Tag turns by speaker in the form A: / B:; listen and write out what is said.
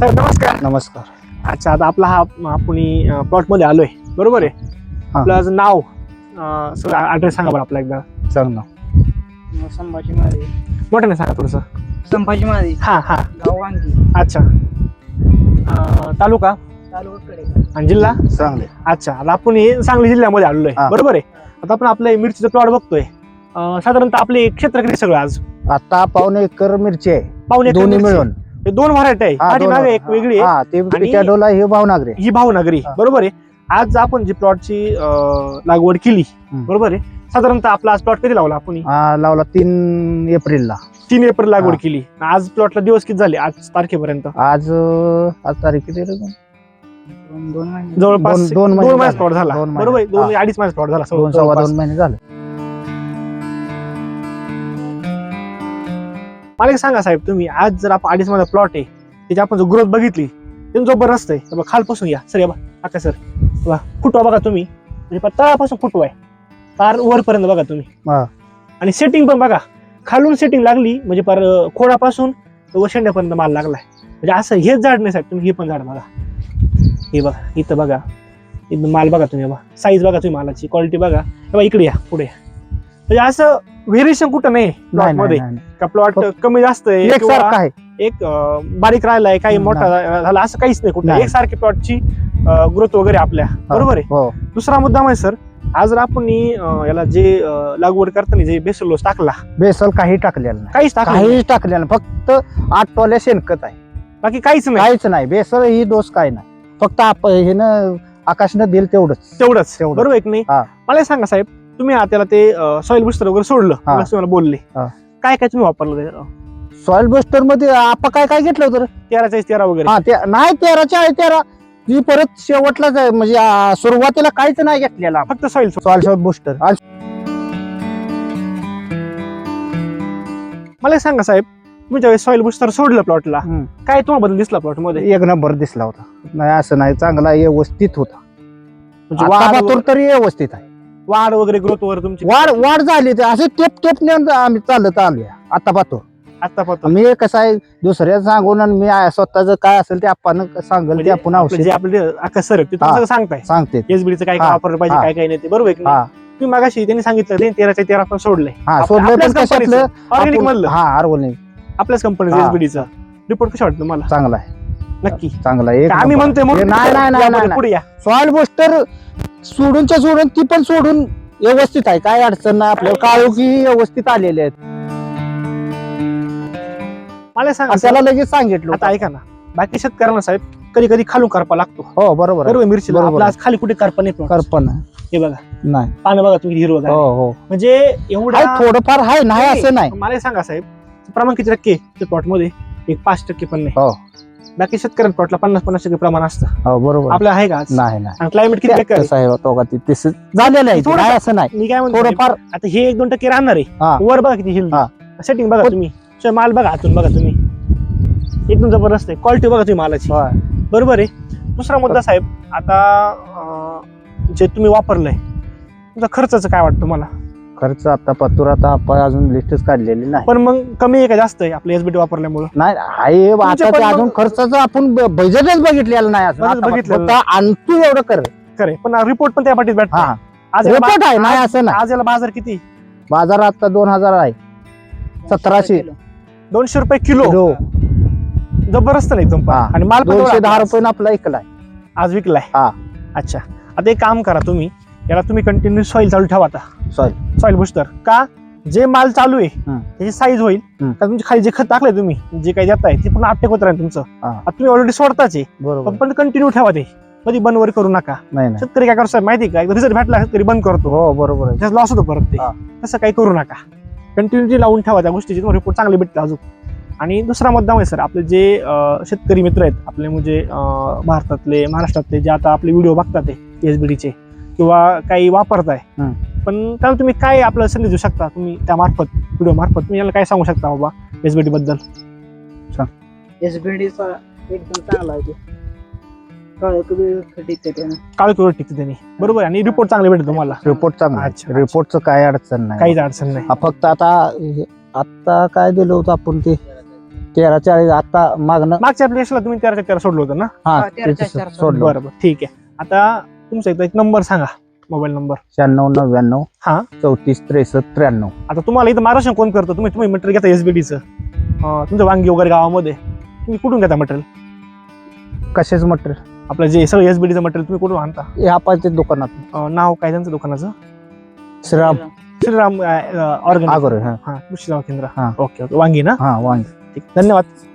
A: Sir नमस्कार.
B: नमस्कार.
A: अच्छा, आता आपला हा आपण प्लॉट मध्ये आलोय, बरोबर आहे. आपलं नाव ऍड्रेस सांगा बरं आपला एकदा.
B: सांग ना.
C: संभाजी महाराज.
A: मोठ्याने सांगा थोडस.
C: संभाजी महाराज.
A: हा हा.
C: गाव वांगी.
A: अच्छा. तालुका
C: तालुका
A: आणि जिल्हा
B: सांगले.
A: अच्छा, आता आपण सांगली जिल्ह्यामध्ये आलेलो आहे, बरोबर आहे. आता आपण आपलं मिरचीचं प्लॉट बघतोय. साधारणतः आपले क्षेत्र किती सगळं आज?
B: आता 1.25 एकर मिरची आहे.
A: पाऊण एकर
B: दोन्ही
A: मिरची.
B: मिळून
A: हे दोन व्हरायटी आहे. पाठीमागे एक वेगळी आहे,
B: ते पिटाडोला ही भावनगरी.
A: ही भावनगरी, बरोबर आहे. आज आपण जी प्लॉटची लागवड केली, बरोबर आहे. साधारणतः आपला आज प्लॉट कधी लावला आपण?
B: लावला 3 एप्रिलला.
A: 3 एप्रिल लागवड केली. आज प्लॉटला दिवस किती झाले आज तारखेपर्यंत?
B: आज तारीख किती रे?
C: 2 महिने.
A: जवळपास
B: 2
A: महिन्याचा प्लॉट झाला, बरोबर आहे. 2-2.5 महिन्याचा प्लॉट झाला.
B: 2 महिने झाले.
A: मला एक सांगा साहेब, तुम्ही आज जर आपण 2.5 महिन्याचा प्लॉट आहे, त्याची आपण जो ग्रोथ बघितली ते जबरदस्त आहे. खालपासून या सर, या बा आता सर, फुटवा बघा तुम्ही, म्हणजे तळापासून फुटवा आहे तार वरपर्यंत बघा तुम्ही. आणि सेटिंग पण बघा, खालून सेटिंग लागली म्हणजे पार खोडापासून वशेंड्यापर्यंत माल लागलाय. म्हणजे असं हेच झाड नाही साहेब, तुम्ही हे पण झाड बघा. हे बघा इथं बघा, इथं माल बघा तुम्ही, बघा साईज बघा तुम्ही, मालाची क्वालिटी बघा. इकडे या पुढे. म्हणजे असं व्हेरिएशन कुठं नाही प्लॉट मध्ये का प्लॉट कमी जास्त आहे,
B: एकसारखा आहे,
A: एक बारीक राहिलाय, काही मोठा झाला, असं काहीच नाही कुठं. एकसारखी प्लॉटची ग्रोथ वगैरे आपल्या, बरोबर आहे. दुसरा मुद्दा म्हणजे सर, आज जर आपण याला जे लागवड करताना जे बेसल डोस टाकला,
B: बेसल काही टाकलेलं नाही, काहीच टाकलेलं, फक्त 8 टोल्या शेणखत आहे,
A: बाकी काहीच
B: नाही. बेसल ही डोस काय नाही, फक्त हे ना आकाशनं दिल तेवढंच,
A: बरोबर आहे की नाही? मला सांगा साहेब, तुम्ही त्याला ते सॉइल बुस्टर वगैरे सोडलं, तुम्हाला बोलले काय काय तुम्ही वापरलं?
B: सॉइल बुस्टर मध्ये आपण काय घेतलं होतं?
A: 13 वगैरे.
B: नाही, 13 ती परत शेवटलाच आहे, म्हणजे सुरुवातीला काहीच नाही घेतलेला,
A: फक्त सॉइल
B: बुस्टर.
A: मला सांगा साहेब, तुम्ही ज्यावेळेस सॉइल बुस्टर सोडलं प्लॉटला, काय तुम्हाला बदल दिसला प्लॉट मध्ये?
B: 1 नंबर दिसला होता. नाही असं नाही, चांगला व्यवस्थित होता,
A: म्हणजे
B: तरी व्यवस्थित आहे.
A: वाढ वगैरे ग्रोथ वगैरे तुमची
B: वाढ झाली, असे टेप आम्ही चालत आलोय आता पाहतो. मी कसं आहे, दुसऱ्या सांगून आणि मी स्वतःच काय असेल ते आपण सांगेल ते आपण
A: जे आपले आकाश सर
B: सांगते
A: एसबीडीचं काय वापरलं पाहिजे, काय काय नाही ते, बरोबर आहे. तुम्ही मागाशी त्यांनी सांगितलं 13 पण सोडलंय, ऑर्गॅनिक मधलं, आपल्याच कंपनीचं एसबीडीचं. रिपोर्ट कशा वाटतं तुम्हाला?
B: चांगला आहे,
A: नक्की
B: चांगला आहे.
A: आम्ही म्हणतोय
B: पुढे या. सॉइल बुस्टर सोडून ती पण सोडून व्यवस्थित आहे, काय अडचण नाही. आपल्याला काळोखी व्यवस्थित आलेले आहेत.
A: मला सांगा,
B: त्याला लगेच सांगितलं.
A: आता ऐका ना, बाकी शेतकऱ्यांना साहेब कधी कधी खालून करपा लागतो.
B: हो बरोबर,
A: मिरची आज खाली कुठे करपा नाही. हे बघा,
B: नाही
A: पानं बघा तुम्ही, हिरवं. म्हणजे एवढं
B: थोडंफार आहे, नाही असं नाही.
A: मला सांगा साहेब, प्रमाण किती टक्के प्लॉट मध्ये? 5% पण नाही. बाकी शेतकऱ्यांच्या प्लॉटला 50-50% प्रमाण असतं. बरोबर. आपलं आहे का?
B: नाही.
A: क्लायमेट किती
B: झालेलं आहे, असं नाही.
A: मी काय म्हणतो,
B: थोडंफार
A: आता हे 1-2% राहणार आहे. वर बघा किती हेल्दी, सेटिंग बघा तुम्ही, माल बघा हातून बघा तुम्ही, एकदम जबरदस्त आहे. क्वालिटी बघा तुम्ही मालाची, बरोबर आहे. दुसरा मुद्दा साहेब, आता जे तुम्ही वापरलंय, तुमचा खर्चाचं काय वाटतं मला?
B: खर्च आता पत्तूर आपण अजून लिस्टच काढलेली नाही,
A: पण मग कमी आहे का जास्त आहे आपल्या एसबीटी वापरल्यामुळे?
B: नाही आहे, आता अजून खर्चाचं आपण बजेटच बघितलेलं नाही, बघितलं आणतो एवढं करे.
A: पण रिपोर्ट पण त्या पाठीत भेटतो.
B: आज रिपोर्ट आहे, नाही असं नाही.
A: आज याला बाजार किती?
B: बाजार आता 2000 आहे, 1700
A: 200 रुपये किलो. जबरदस्त नाही एकदम. आणि माल
B: 210 रुपये आपला ऐकलाय,
A: आज विकलाय. अच्छा, आता एक काम करा, तुम्ही याला तुम्ही कंटिन्यू सॉइल चालू ठेवा. आता सॉइल बुस्टर का, जे माल चालू आहे त्याची साईज होईल, का तुमच्या खाली जे खत टाकलंय तुम्ही, जे काही देताय ते पण अपटेक होत राहील तुमचं. आता तुम्ही ऑलरेडी सोडताच आहे, पण कंटिन्यू ठेवा, ते कधी बंद वगैरे करू नका. शेतकरी काय करतो माहिती का, रिझल्ट भेटला शेतकरी बंद करतो, बरोबर, लॉस होतो परत ते. तसं काही करू नका, कंटिन्युटी लावून ठेवा त्या गोष्टीची, तुम्हाला रिपोर्ट चांगले भेटते अजून. आणि दुसरा मुद्दा म्हणजे सर, आपले जे शेतकरी मित्र आहेत आपले, म्हणजे भारतातले, महाराष्ट्रातले, जे आता आपले व्हिडिओ बघतात एसबीडीचे किंवा काही वापरताय, पण त्याला तुम्ही काय आपलं संदेश देऊ शकता? तुम्ही त्या मार्फत, व्हिडिओ मार्फत तुम्ही याला काय सांगू शकता बाबा एसबीडी बद्दल?
C: एसबीडीचा एकदम चांगला आहे,
A: काळी टिकते त्यांनी, बरोबर. आणि रिपोर्ट चांगले भेटतो तुम्हाला?
B: रिपोर्ट चांगला, रिपोर्टचं काय अडचण नाही,
A: काहीच अडचण नाही.
B: फक्त आता काय दिलं होतं आपण, ते 13-40 आता मागणं
A: मागच्या आपल्या यशला तुम्ही 13 सोडलं होतं ना?
B: हा
C: हा, 13-4
B: ते
C: सोडलं.
B: सोडलं
A: बरोबर, ठीक आहे. आता तुमचा एक नंबर सांगा, मोबाईल नंबर.
B: 96-99
A: हा.
B: 34-63-93.
A: आता तुम्हाला इथं मार्गदर्शन कोण करतं? तुम्ही मटेरियल घेता एसबीडीचं, तुमचं वांगी वगैरे गावामध्ये, तुम्ही कुठून घेता मटेरियल?
B: कशाच मटेरियल?
A: आपलं जे सगळं एसबीडीचं मटेरियल तुम्ही कुठून आणता?
B: हे आपण दुकानात
A: नाव काय त्यांचं दुकानाचं?
B: श्रीराम
A: श्रीराम ऑर्गॅनिक.
B: आगोरे. हा
A: हा, कृषी सेवा केंद्र.
B: हा.
A: ओके ओके, वांगी ना?
B: हा वांगी.
A: ठीक, धन्यवाद.